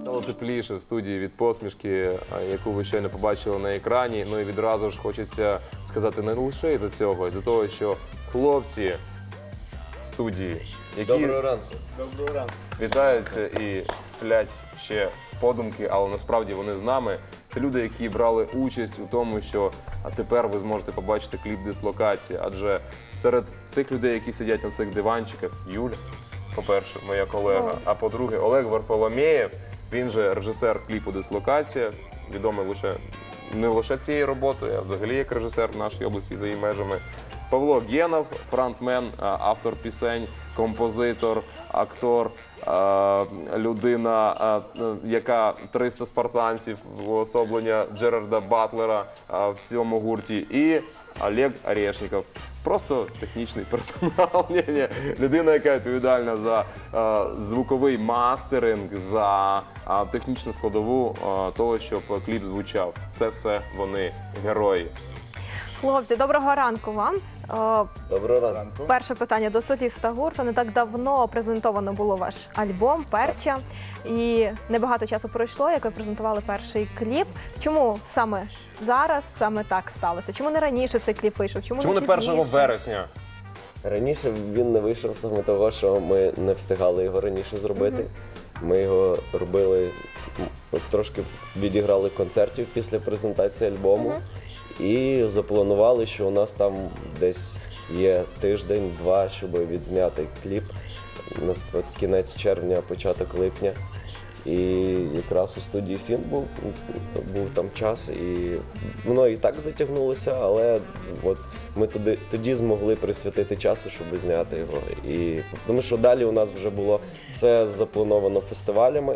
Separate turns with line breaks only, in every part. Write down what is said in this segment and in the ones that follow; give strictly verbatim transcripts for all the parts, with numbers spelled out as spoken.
Стало тепліше в студії від посмішки, яку ви щойно побачили на екрані. Ну і відразу ж хочеться сказати не лише із-за цього, із-за того, що хлопці в студії, які
Доброго ранку.
Доброго ранку.
вітаються і сплять ще подумки, але насправді вони з нами. Це люди, які брали участь у тому, що а тепер ви зможете побачити кліп «Дислокація». Адже серед тих людей, які сидять на цих диванчиках, Юля, по-перше, моя колега, а по-друге, Олег Варфоломєєв, він же режисер кліпу «Дислокація», відомий лише не лише цією роботою, а взагалі як режисер в нашій області за її межами. Павло Гєнов, фронтмен, автор пісень, композитор, актор, людина, яка триста спартанців, уособлення Джерарда Батлера в цьому гурті, і Олег Орешніков. Просто технічний персонал, Ні-ні. людина, яка відповідальна за звуковий мастеринг, за технічну складову того, щоб кліп звучав. Це все вони, герої.
Хлопці, доброго ранку вам.
Доброго ранку.
Перше питання до соліста гурту. Не так давно презентовано було ваш альбом «Перча». І небагато часу пройшло, як ви презентували перший кліп. Чому саме зараз, саме так сталося? Чому не раніше цей кліп вийшов? Чому,
Чому не
пізніше?
першого вересня?
Раніше він не вийшов саме того, що ми не встигали його раніше зробити. Ми його робили, м, трошки відіграли концертів після презентації альбому. І запланували, що у нас там десь є тиждень-два, щоб відзняти кліп. Наприклад, кінець червня, початок липня. І якраз у студії «Фін» був, був там час, і воно і так затягнулося, але от ми тоді, тоді змогли присвятити часу, щоб зняти його. І, тому що далі у нас вже було все заплановано фестивалями,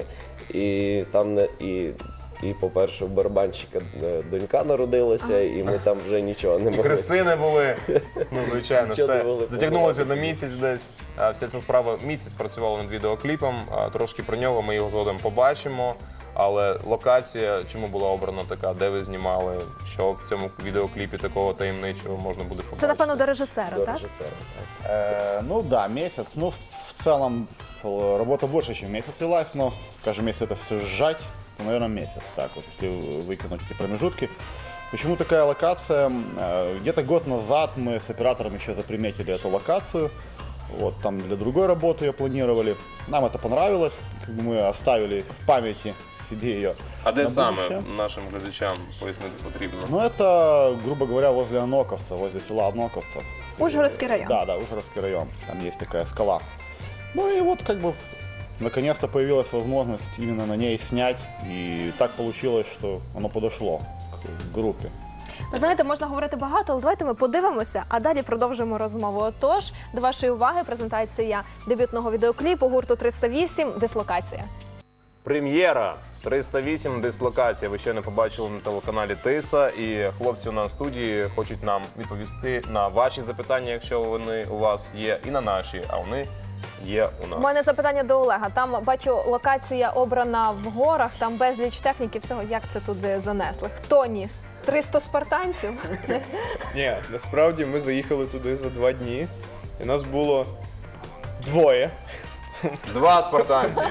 і там не і. І, по-перше, у барабанщика донька народилася, і ми там вже нічого не
І
могли.
хрестини були, ну, звичайно,
Нічого не
це
могли
затягнулося на
побувати.
місяць десь. А Вся ця справа місяць працювала над відеокліпом, а трошки про нього ми його згодом побачимо. Але локація, чому була обрана така, де ви знімали, що в цьому відеокліпі такого таємничого можна буде побачити?
Це, напевно, до режисера,
До
так?
режисера, так.
Э, ну да, месяц. Ну, в целом, э, работа больше, чем месяц велась, но, скажем, если это все сжать, то, наверное, месяц. Так вот, если выкинуть эти промежутки. Почему такая локация? Э, Где-то год назад мы с оператором еще заприметили эту локацию. Вот, там для другой работы ее планировали. Нам это понравилось, как бы мы оставили в памяти себе ее.
А де
на
саме
будущее.
нашим глядачам пояснити потрібно?
Ну, это, грубо говоря, возле Оноковца, возле села Оноковца.
Ужгородський район.
Да, да, Ужгородский район. Там есть такая скала. Ну и вот как бы наконец-то появилась возможность именно на ней снять. И так получилось, что оно подошло к группе.
Ви знаєте, можна говорити багато, але давайте ми подивимося, а далі продовжимо розмову. Отож, до вашої уваги презентація дебютного відеокліпу гурту триста вісім «Дислокація».
Прем'єра триста вісім «Дислокація». Ви ще не побачили на телеканалі Тиса. І хлопці у нас в студії хочуть нам відповісти на ваші запитання, якщо вони у вас є, і на наші, а вони є у
У
нас.
мене запитання до Олега. Там, бачу, локація обрана в горах, там безліч техніки, всього. Як це туди занесли? Хто ніс? триста спартанців?
Ні, насправді ми заїхали туди за два дні, і нас було двоє.
Два спартанці.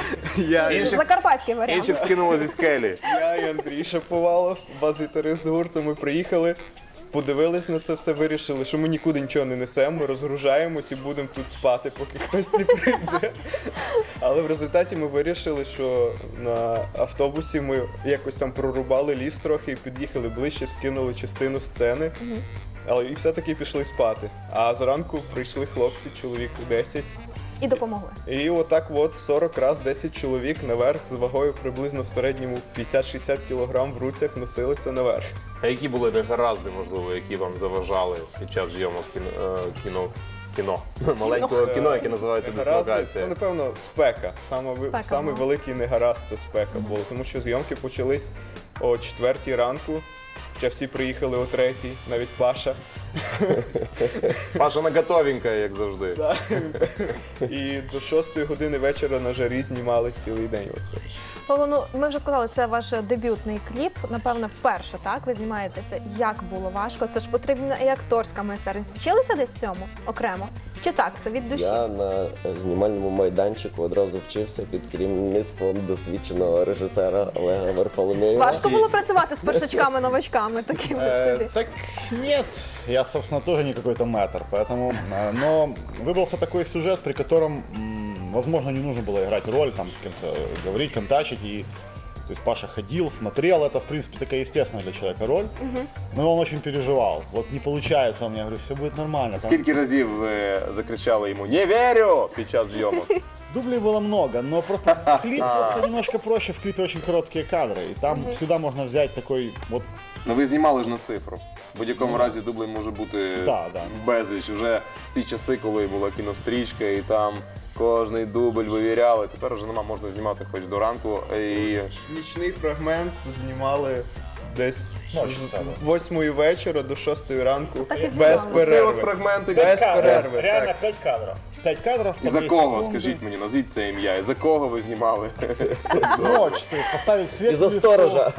Я,
Інших,
Закарпатський варіант.
інших скинули зі скелі.
я і Андрій Шаповалов, бас-гітарист гурту, ми приїхали, подивились на це все, вирішили, що ми нікуди нічого не несемо, ми розгружаємось і будемо тут спати, поки хтось не прийде. Але в результаті ми вирішили, що на автобусі ми якось там прорубали ліс трохи і під'їхали ближче, скинули частину сцени. Але і все-таки пішли спати. А зранку прийшли хлопці, чоловік десять.
І допомогли.
І отак от сорок раз десять чоловік наверх з вагою приблизно в середньому п'ятдесят-шістдесят кілограм в руцях носили це наверх.
А які були негаразди, можливо, які вам заважали під час зйомок кіно, е, кіно, кіно, маленького кіно, яке називається
Негаразди
«Дислокація»?
Це, напевно, спека. Саме, ви-
Спека,
Самий
ну.
великий негаразд це спека було, тому що зйомки почались о четвертій ранку. Хоча всі приїхали о третій, навіть Паша.
Паша наготовенька, як завжди.
І до шостої години вечора на жарі знімали цілий день. Оце.
Павло, ну, ми вже сказали, це ваш дебютний кліп. Напевно, вперше, так? Ви знімаєтеся. Як було важко? Це ж потрібна і акторська майстерність. Вчилися десь цьому окремо? Чи так, все від душі?
Я на е, знімальному майданчику одразу вчився під керівництвом досвідченого режисера Олега Варфоломєєва.
Важко було працювати з першачками-новачками такими
Э,
собі.
так нет, я, собственно, тоже не какой-то мэтр, поэтому, э, но выбрался такой сюжет, при котором, м, возможно, не нужно было играть роль, там, с кем-то э, говорить, контачить, и, то есть Паша ходил, смотрел, это, в принципе, такая естественная для человека роль, но он очень переживал, вот не получается, он мне говорит, все будет нормально. Там
Скільки разів ви закричали йому «Не вірю!» під час зйомок?
дублей было много, но просто клип просто немножко проще, в клипе очень короткие кадры, и там всегда можно взять такой вот.
Ну ви знімали ж на цифру. В будь-якому разі дублей може бути
Да, да.
безліч. Уже ці часи, коли була кінострічка і там кожний дубль вивіряли. Тепер вже нема, можна знімати хоч до ранку. І
Нічний фрагмент знімали десь
Ночі
з
саме.
восьмої вечора до шостої ранку
Так і
без
знімали.
це от
перерви.
фрагменти.
Без
Кадров,
перерви,
реально
так.
пять кадров. Пять кадров.
І
по
за
две
кого,
секунды.
скажіть мені, назвіть це ім'я. І за кого ви знімали?
Ночь, то есть поставить свет.
І за
в лесу.
сторожа.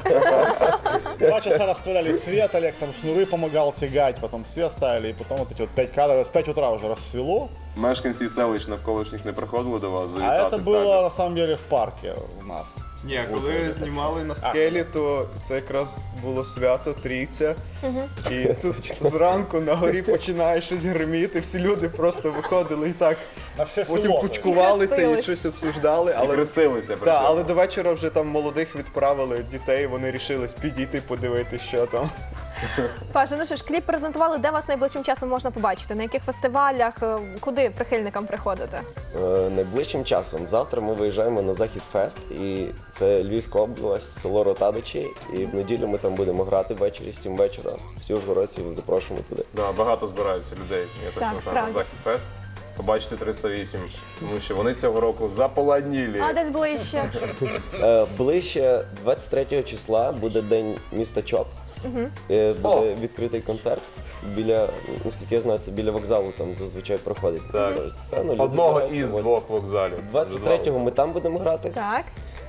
Два часа расставляли свет, Олег там шнуры помогал тягать, потом свет ставили, и потом вот эти вот пять кадров. С пять утра уже рассвело.
Мешканці селищ навколишніх не приходили до вас
А
завітати?
это
в
было
табір?
на самом деле в парке у нас.
Ні, коли знімали на скелі, то це якраз було свято Трійця. І тут зранку на горі починає щось гриміти, всі люди просто виходили і так
На все
потім
село.
кучкувалися і
Хрестились.
щось обсуждали.
І
Але
хрестилися при
Так,
цьому.
але до вечора вже там молодих відправили дітей, вони рішились підійти, подивитися, що там.
Паша, ну що ж, кліп презентували, де вас найближчим часом можна побачити? На яких фестивалях? Е, Куди прихильникам приходити?
Е, Найближчим часом. Завтра ми виїжджаємо на Захід Фест, і це Львівська область, село Ротадичі. І в неділю ми там будемо грати ввечері, сім вечора. Всі ужгородців запрошуємо туди.
Да, багато збираються людей. Я точно
Так,
знаю на
справді.
Захід Фест. Побачити триста вісім, тому що вони цього року заполонілі.
А десь ближче.
Е, Ближче двадцять третього числа буде День міста Чоп. Е, Буде
О!
відкритий концерт. Біля, наскільки я знаю, це біля вокзалу там зазвичай проходить.
Так.
Сцену, люди
Одного
збираються,
із
ось.
двох вокзалів.
двадцять третього ми там будемо грати.
Так.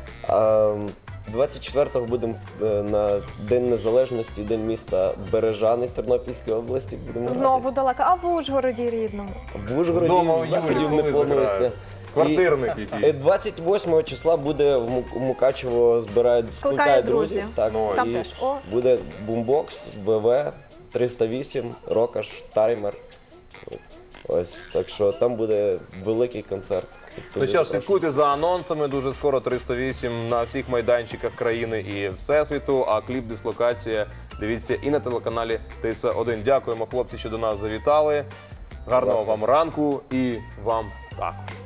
А двадцять четвертого будемо в- е, на День Незалежності, День міста Бережани в Тернопільській області. Будемо
Знову далеко. А в Ужгороді рідному?
грати. В Ужгороді
Вдома у
заходів
Юлі,
не
коли
планується.
заграють? Квартирник
І,
якийсь.
е, двадцять восьмого числа буде в Му- Мукачево збирають
Скликає
скликає
друзів.
друзів. Так,
Ну,
Там
і
теж. О.
буде бумбокс, ВВ, триста вісім, Рокаш, Таймер. Ось так що там буде великий концерт.
Ну що ж, слідкуйте за анонсами. Дуже скоро триста вісім на всіх майданчиках країни і всесвіту. А кліп «Дислокація» дивіться і на телеканалі Т С один. Дякуємо, хлопці, що до нас завітали. Гарного вам ранку і вам також.